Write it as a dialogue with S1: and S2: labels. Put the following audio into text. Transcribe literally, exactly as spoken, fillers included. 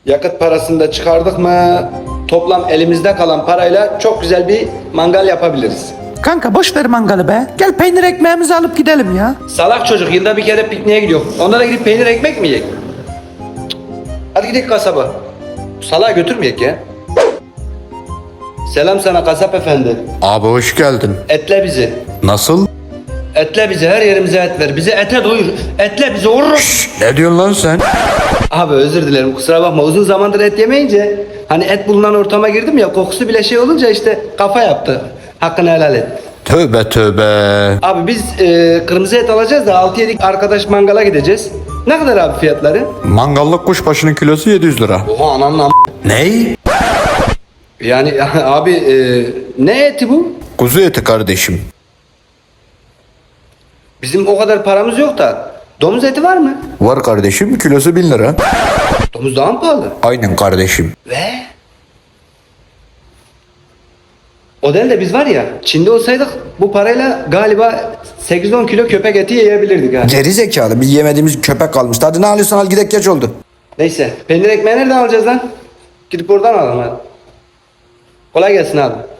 S1: Yakıt parasını da çıkardık mı toplam elimizde kalan parayla çok güzel bir mangal yapabiliriz.
S2: Kanka boş ver mangalı be. Gel peynir ekmeğimizi alıp gidelim ya.
S1: Salak çocuk yılda bir kere pikniğe gidiyor. Onlara gidip peynir ekmek mi yiyecek? Cık. Hadi gidelim kasaba. Salağı götürmeyek ya. Selam sana kasap efendi.
S3: Abi hoş geldin.
S1: Etle bizi.
S3: Nasıl?
S1: Etle bizi, her yerimize et ver. Bizi ete doyur. Etle bizi vurur.
S3: Ne diyorsun lan sen?
S1: Abi özür dilerim, kusura bakma. Uzun zamandır et yemeyince hani et bulunan ortama girdim ya, kokusu bile şey olunca işte kafa yaptı. Hakkını helal et.
S3: Tövbe tövbe.
S1: Abi biz e, kırmızı et alacağız da altı yedi arkadaş mangala gideceğiz. Ne kadar abi fiyatları?
S3: Mangallık kuşbaşının kilosu yedi yüz lira.
S1: Oha anamla.
S3: Ney?
S1: Yani abi e, ne eti bu?
S3: Kuzu eti kardeşim.
S1: Bizim o kadar paramız yok da. Domuz eti var mı?
S3: Var kardeşim, kilosu bin lira.
S1: Domuz daha mı pahalı?
S3: Aynen kardeşim.
S1: Ve? O değil de biz var ya, Çin'de olsaydık bu parayla galiba sekiz on kilo köpek eti yiyebilirdik ha.
S4: Geri zekalı, bir yemediğimiz köpek kalmıştı. Hadi ne alıyorsan al, gidek, geç oldu.
S1: Neyse, peynir ekmeği nereden alacağız lan? Gidip oradan alalım hadi. Kolay gelsin abi.